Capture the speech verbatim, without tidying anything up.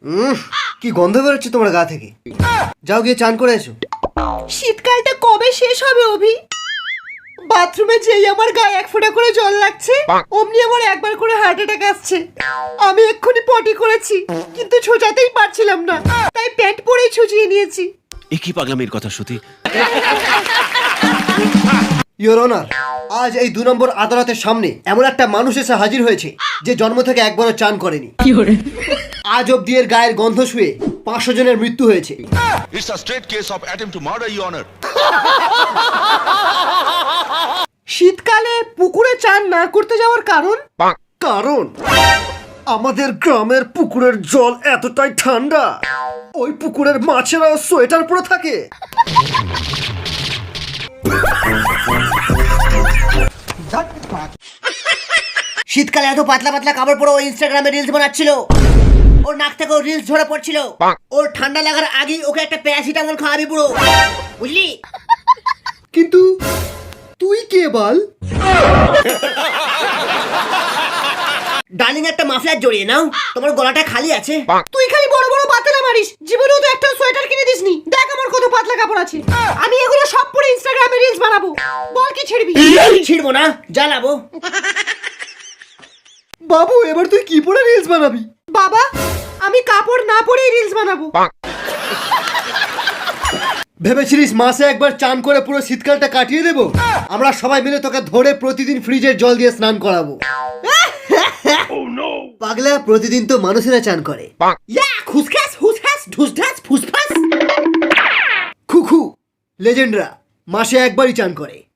উম, কি গন্ধ বেরোচ্ছে তোমার গা থেকে। যাও গিয়ে চান করে এসো। শীতকালটা কবে শেষ হবে অভি? বাথরুমে যেই আমার গায়ে এক ফোঁটা করে জল লাগছে অমনি আমার একবার করে হার্ট অ্যাটাক আসছে। আমি এক্ষুনি পটি করেছি কিন্তু ছোটাতেই পারছিলাম না, তাই প্যান্ট পরেই ছুচিয়ে নিয়েছি। একই পাগলামির কথা শ্রুতি। ইওর অনার, আজ এই দু নম্বর আদালতের সামনে এমন একটা মানুষ এসে হাজির হয়েছে যে জন্ম থেকে একবারও চান করেনি। আজ অব্দি এর গায়ের গন্ধ শুয়ে পাঁচশো জনের মৃত্যু হয়েছে। It's a straight case of attempt to murder, Your Honor. শীতকালে পুকুরে চান না করতে যাওয়ার কারণ? কারণ আমাদের গ্রামের পুকুরের জল এতটাই ঠান্ডা, ওই পুকুরের মাছেরা সোয়েটার পরে থাকে। শীতকালে এত পাতলা পাতলা কাপড় পরে ও ইনস্টাগ্রামে রিলস বানাচ্ছিল। ওর নাক থেকে রিলস ঝরে পড়ছিল। ওর ঠান্ডা লাগার আগেই ওকে একটা প্যারাসিটামল খাওয়াবি পুরো, বুঝলি? কিন্তু তুই কে বল? ডার্লিং একটা মাফলার জড়িয়ে নাও, তোমার গলাটা খালি আছে। তুই খালি বড় বড় বাতেলা মারিস, জীবনেও তো একটা সোয়েটার কিনে দিসনি। দেখ আমার কত পাতলা কাপড় আছে, আমি এগুলো সব পরে ইনস্টাগ্রামে রিলস বানাবো। বল কি ছিড়বি? ছিড়বো না, জ্বালাবো। বাবু এবার তুই কি পরে রিলস বানাবি? বাবা, আমি কাপড় না পরেই রিলস বানাবো। ভেবেছিলিস মাসে একবার চান করে পুরো শীতকালটা কাটিয়ে দেবো? আমরা সবাই মিলে তোকে ধরে প্রতিদিন ফ্রিজের জল দিয়ে স্নান করাবো। পাগলা, প্রতিদিন তো মানুষেরা চান করে। ইয়া খুসখাস হুসখাস ঢুসঢাস ফুসফাস। খুখু লেজেন্ডরা মাসে একবারই চান করে।